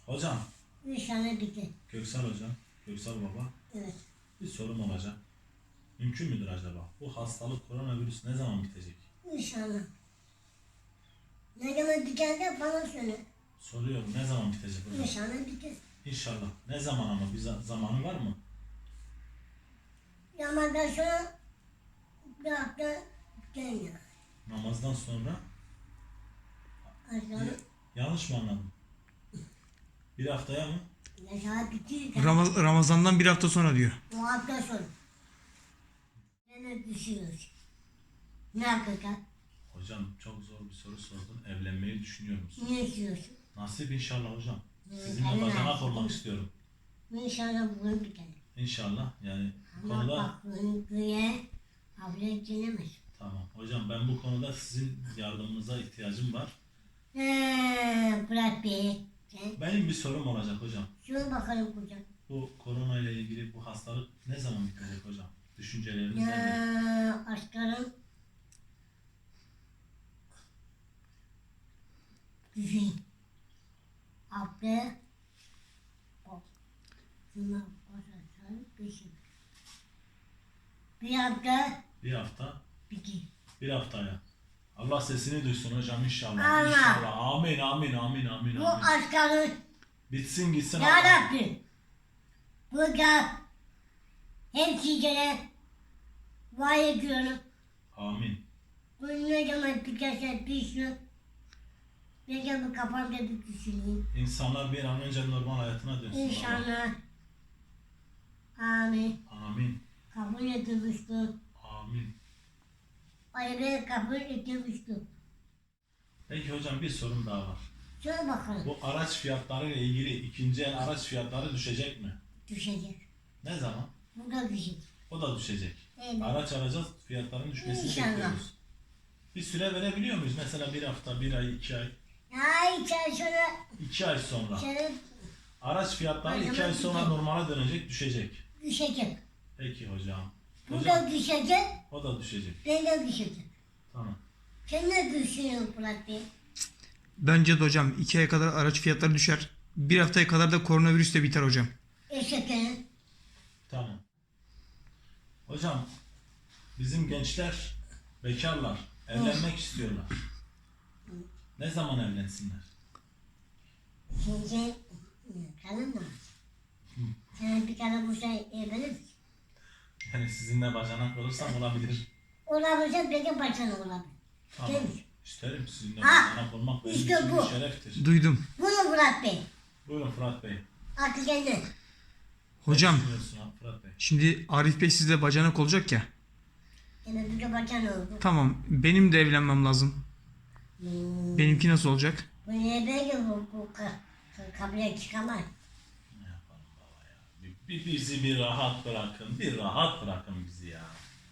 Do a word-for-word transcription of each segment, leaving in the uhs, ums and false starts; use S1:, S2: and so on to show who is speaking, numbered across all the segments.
S1: Hocam,
S2: İnşallah bitir.
S1: Köksal hocam, Köksal baba,
S2: Evet.
S1: bir sorum olacak. Mümkün müdür acaba? Bu hastalık, koronavirüs ne zaman bitecek?
S2: İnşallah. Ne zaman biter de bana söyle.
S1: Soruyorum, ne zaman bitecek hocam?
S2: İnşallah bitir.
S1: İnşallah. Ne zaman ama? Bir za- zamanı var mı?
S2: Ramazan sonra bir hafta biter ya.
S1: Namazdan sonra?
S2: Aşağı
S1: Yanlış mı anladım? Bir haftaya mı?
S2: aşağı bitir de
S3: Ramaz- Ramazan'dan bir hafta sonra diyor.
S2: o hafta sonra. Ben düşüyoruz. Ne yapacak?
S1: Hocam çok zor bir soru sordun. Evlenmeyi düşünüyor musun?
S2: Ne istiyorsun?
S1: Nasip inşallah hocam.
S2: Evet,
S1: Sizinle
S2: aynen
S1: bacanak
S2: nasip.
S1: olmak istiyorum.
S2: İnşallah bunu biter.
S1: İnşallah. Yani bu
S2: Ama
S1: konuda
S2: bak bunu güye abla dilemez.
S1: tamam. Hocam ben bu konuda sizin yardımınıza ihtiyacım var.
S2: Eee Fırat Bey. Sen
S1: Benim bir sorum olacak hocam.
S2: şuna bakalım kocam.
S1: Bu korona ile ilgili bu hastalık ne zaman bitecek hocam? Düşünceleriniz nedir?
S2: Ya aslanım. Düşün. Abla. Bak. Şuna bakarsan düşün. Bir hafta
S1: Bir hafta,
S2: bitir.
S1: bir haftaya. Allah sesini duysun hocam inşallah.
S2: Allah.
S1: İnşallah. Amin, amin, amin, amin,
S2: Bu
S1: amin.
S2: aslanın
S1: Bitsin gitsin.
S2: ya
S1: Allah.
S2: Rabbi. Burada hem sizlere vaat ediyorum.
S1: Amin.
S2: Bu ne zaman biterse bitsin. Ne zaman kafamda bir düşüneyim.
S1: İnsanlar bir an önce normal hayatına dönsün. baba.
S2: İnşallah. Amin.
S1: Amin.
S2: Kabul edilmiştir.
S1: Amin.
S2: Ayrı kabul edilmiştir.
S1: Peki hocam bir sorum daha var.
S2: Şöyle bakalım.
S1: Bu araç fiyatları ile ilgili ikinci el araç fiyatları düşecek mi?
S2: Düşecek.
S1: Ne zaman?
S2: Bu da düşecek.
S1: O da düşecek.
S2: Evet.
S1: Araç alacağız, fiyatların düşmesini
S2: İnşallah.
S1: bekliyoruz. Bir süre verebiliyor muyuz? Mesela bir hafta, bir ay, iki ay.
S2: Ay sen şöyle
S1: iki ay sonra.
S2: şöyle
S1: Araç fiyatları
S2: Ay,
S1: iki ay
S2: hemen
S1: sonra
S2: düşecek.
S1: normale dönecek, düşecek.
S2: düşecek.
S1: Peki hocam.
S2: Bu
S1: Hocam
S2: da düşecek.
S1: o da düşecek.
S2: Ben de düşecek.
S1: Tamam.
S2: Sen ne düşünüyorsun Fırat Bey?
S3: Bence de hocam iki aya kadar araç fiyatları düşer. Bir haftaya kadar da koronavirüs de biter hocam.
S2: Eşeklerin.
S1: Tamam. Hocam bizim gençler, bekarlar evlenmek istiyorlar. Ne zaman evlensinler?
S2: Şimdi kalın mı? Sen bir tane bu şey evlenir misin?
S1: Yani sizinle bacanak olursam olabilir.
S2: Olabilirse belki başına olabilir.
S1: Tamam.
S2: Değil mi?
S1: İsterim sizinle
S2: Ha,
S1: bacanak olmak benim
S2: işte
S1: için
S2: bu.
S1: bir şereftir.
S3: Duydum.
S2: Bunu Fırat Bey.
S1: Buyurun Fırat Bey.
S2: Akıl geldi.
S3: Hocam
S1: Ne düşünüyorsun ha Fırat Bey?
S3: şimdi Arif Bey sizle bacanak olacak ya.
S2: Yine bir de başına oldu.
S3: Tamam benim de evlenmem lazım.
S2: Hmm.
S3: Benimki nasıl olacak?
S2: Bu niye böyle bu, bu ka, ka, kabile çıkamaz?
S1: Ne yapalım baba ya? Bir, bir bizi bir rahat bırakın. Bir rahat bırakın bizi ya.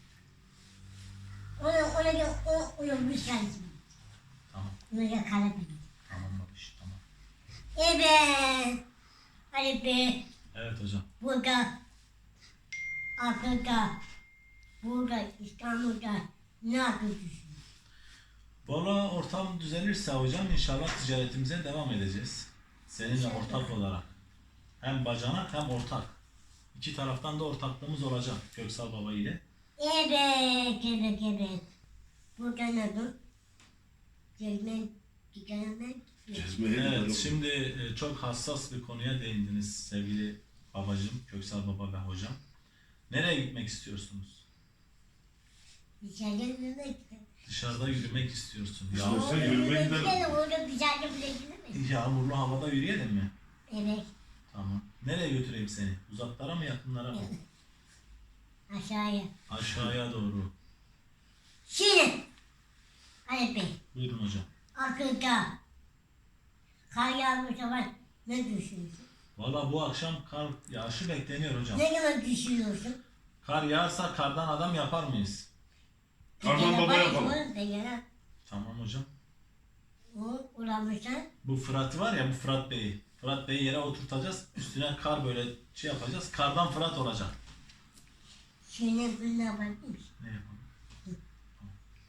S2: Ona, ona gel, o, onu bir sensin.
S1: Tamam.
S2: Ona gel kalabilir.
S1: Tamam babiş tamam.
S2: Evet. Ali Bey,
S1: Evet hocam.
S2: burada, Afrika, burada, İstanbul'da ne yapıyorsun?
S1: Valla ortam düzelirse hocam inşallah ticaretimize devam edeceğiz. Seninle
S2: İnşallah.
S1: ortak olarak. Hem bacanak hem ortak. İki taraftan da ortaklığımız olacak Köksal Baba ile.
S2: Evet, evet, evet. Burada ne bu? Gezmek, gidemek.
S1: Evet şimdi e, çok hassas bir konuya değindiniz sevgili babacığım, Köksal Baba ve hocam. Nereye gitmek istiyorsunuz?
S2: Dışarıda yürümek.
S1: Dışarıda yürümek istiyorsun.
S2: Orada
S1: Yağmur,
S2: yürümek gidelim, orada dışarıda bile gidemeyiz.
S1: yağmurlu havada yürüyelim mi?
S2: Evet,
S1: Tamam. Nereye götüreyim seni? Uzaklara mı yakınlara mı?
S2: aşağıya.
S1: Aşağıya doğru.
S2: Şimdi, Ali Bey,
S1: Buyurun hocam.
S2: Afrika, kar yağmış zaman ne düşünüyorsun?
S1: Valla bu akşam kar yağışı bekleniyor hocam.
S2: Ne zaman düşünüyorsun?
S1: Kar yağarsa kardan adam yapar mıyız?
S4: Kardan baba yapalım.
S2: Pekala,
S1: Tamam hocam.
S2: o uğramışsan,
S1: Bu Fırat var ya bu Fırat Bey'i. Fırat Bey'i yere oturtacağız. Üstüne kar böyle şey yapacağız. Kardan Fırat olacak.
S2: şimdi bunu yapabilir
S1: Ne yapalım?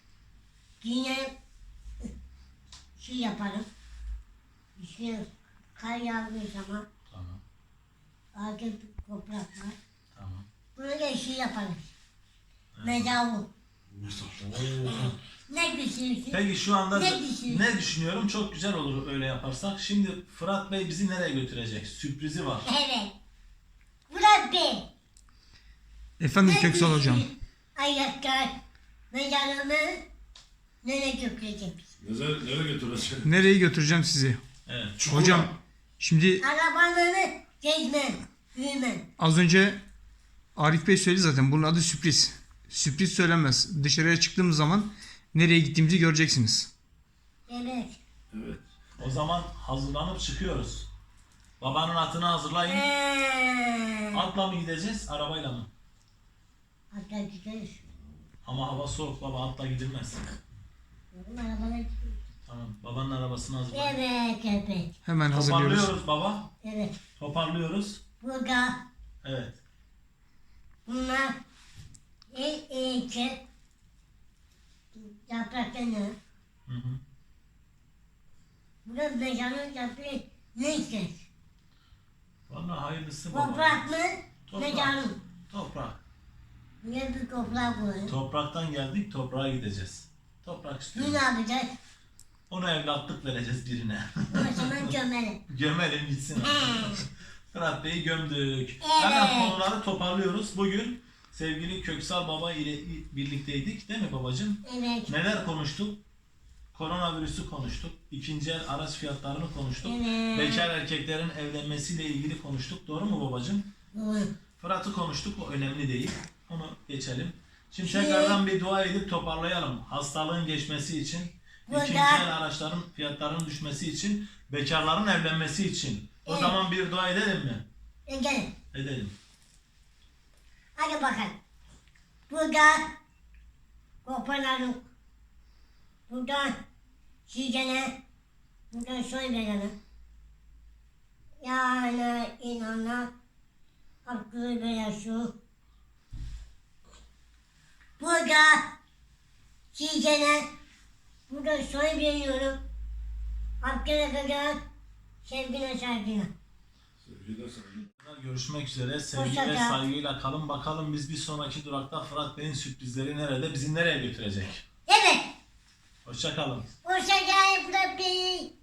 S2: Yine şey yaparım. İşte Kar yağdığı zaman
S1: Tamam.
S2: ağacı toprak var.
S1: Tamam.
S2: Bunu da şey yaparız.
S1: Evet.
S2: Mezarlık.
S1: Oo.
S2: Ne düşünüyorsun?
S1: Peki şu anda
S2: Ne düşünüyorsun?
S1: ne düşünüyorum? Çok güzel olur öyle yaparsak. Şimdi Fırat Bey bizi nereye götürecek? Sürprizi var.
S2: Evet. Murat Bey.
S3: Efendim
S2: ne
S3: Köksal hocam.
S2: düşünüyorsun? Ayaklar. Mezarlığımı nereye götürecek?
S4: Nereye, nereye götürecek?
S3: Nereye götüreceğim sizi?
S1: Evet.
S4: Çukura.
S3: Hocam şimdi
S2: Arabalarını gezmem. Yürümem.
S3: az önce Arif Bey söyledi zaten. Bunun adı sürpriz. Sürpriz söylenmez. Dışarıya çıktığımız zaman nereye gittiğimizi göreceksiniz.
S2: Evet.
S4: Evet.
S1: O zaman hazırlanıp çıkıyoruz. Babanın atını hazırlayın.
S2: Eee.
S1: Atla mı gideceğiz, arabayla mı?
S2: Hatta gideriz.
S1: Ama hava soğuk baba, atla gidilmez.
S2: Oğlum arabalar gidiyor.
S1: Tamam, babanın arabasını hazırlayın.
S2: Evet, evet.
S3: Hemen hazırlıyoruz.
S1: Toparlıyoruz baba.
S2: Evet.
S1: Toparlıyoruz.
S2: Burada
S1: Evet.
S2: bunlar el eğitim yapraklarını
S1: Hı hı.
S2: burada mezarın yaprağı ne ister?
S1: Vallahi hayırlısı baba.
S2: Toprak mı?
S1: Toprak.
S2: Mezarın.
S1: Toprak.
S2: Ne bir toprak koyun.
S1: Topraktan geldik, toprağa gideceğiz. Toprak
S2: Bunu
S1: istiyoruz.
S2: ne yapacağız?
S1: Ona evlatlık vereceğiz birine.
S2: O zaman gömelim.
S1: Gömelim gitsin. Fırat Bey'i gömdük.
S2: Evet.
S1: Hemen konuları toparlıyoruz. Bugün sevgili Köksal Baba ile birlikteydik değil mi babacığım?
S2: Evet.
S1: Neler konuştuk? Koronavirüsü konuştuk. İkinci el araç fiyatlarını konuştuk.
S2: Evet.
S1: Bekar erkeklerin evlenmesiyle ilgili konuştuk. Doğru mu babacığım?
S2: Doğru.
S1: Fırat'ı konuştuk. O önemli değil. Onu geçelim. Şimdi
S2: Şey-
S1: tekrardan bir dua edip toparlayalım. Hastalığın geçmesi için,
S2: Burada-
S1: ikinci el araçların fiyatlarının düşmesi için, bekarların evlenmesi için. O
S2: Evet.
S1: zaman bir dua edelim mi?
S2: E gelin.
S1: Edelim.
S2: Hadi bakalım. Burada koparalım. Buradan sizene, buradan soy verelim. Yani inanla hakkı veriyorsun. Burada sizene, buradan soy veriyorum. Hakkına kadar sevgine saygına.
S4: Sevgili saygı.
S1: Görüşmek üzere. Sevgi
S2: Hoşça
S1: ve
S2: kal.
S1: saygıyla kalın. Bakalım biz bir sonraki durakta Fırat Bey'in sürprizleri nerede? Bizi nereye götürecek?
S2: Evet.
S1: Hoşça kalın.
S2: Hoşça geldin Murat Bey.